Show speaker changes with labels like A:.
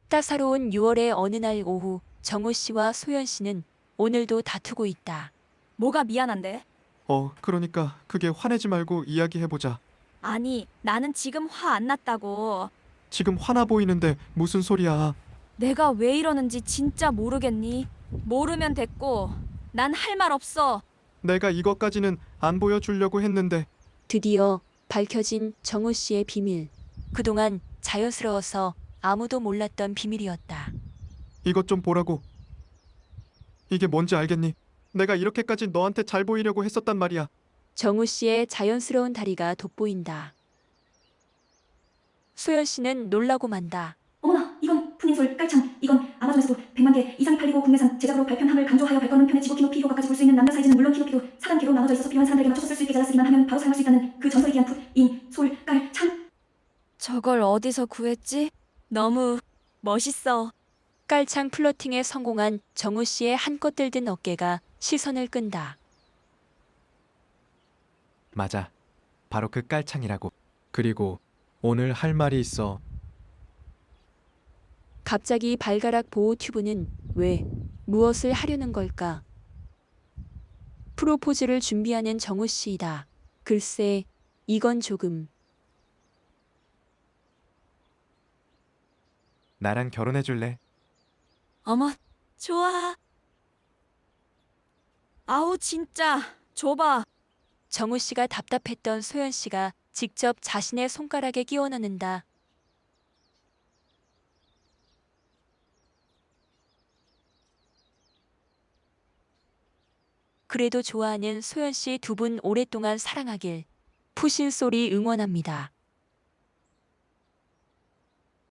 A: 따사로운 6월의 어느 날 오후 정우 씨와 소연 씨는 오늘도 다투고 있다.
B: 뭐가 미안한데?
C: 그러니까 그게 화내지 말고 이야기해보자.
B: 아니, 나는 지금 화 안 났다고.
C: 지금 화나 보이는데 무슨 소리야.
B: 내가 왜 이러는지 진짜 모르겠니? 모르면 됐고, 난 할 말 없어.
C: 내가 이것까지는 안 보여주려고 했는데.
A: 드디어 밝혀진 정우 씨의 비밀. 그동안 자연스러워서 아무도 몰랐던 비밀이었다.
C: 이것 좀 보라고. 이게 뭔지 알겠니? 내가 이렇게까지 너한테 잘 보이려고 했었단 말이야.
A: 정우 씨의 자연스러운 다리가 돋보인다. 소연 씨는 놀라고 만다.
D: 어머나, 이건 푸닌솔 깔창. 이건 아마존에서도 100만 개 이상이 팔리고 국내산 제작으로 발편함을 강조하여 발걸음 편의 지고 키높이 효과까지 볼 수 있는 남녀 사이즈는 물론 키높이도 4단계로 나눠져 있어서 필요한 사람들에게 맞춰서 쓸 수 있게 잘라쓰기만 하면 바로 사용할 수 있다는 그 전설의 귀한 푸닌솔 깔창.
B: 저걸 어디서 구했지? 너무 멋있어.
A: 깔창 플러팅에 성공한 정우 씨의 한껏 들든 어깨가 시선을 끈다.
C: 맞아. 바로 그 깔창이라고. 그리고 오늘 할 말이 있어.
A: 갑자기 발가락 보호 튜브는 왜, 무엇을 하려는 걸까? 프로포즈를 준비하는 정우 씨이다. 글쎄, 이건 조금.
C: 나랑 결혼해줄래?
B: 어머, 좋아. 아우, 진짜. 줘봐.
A: 정우 씨가 답답했던 소연 씨가 직접 자신의 손가락에 끼워 넣는다. 그래도 좋아하는 소연 씨 두 분 오랫동안 사랑하길. 푸신 소리 응원합니다.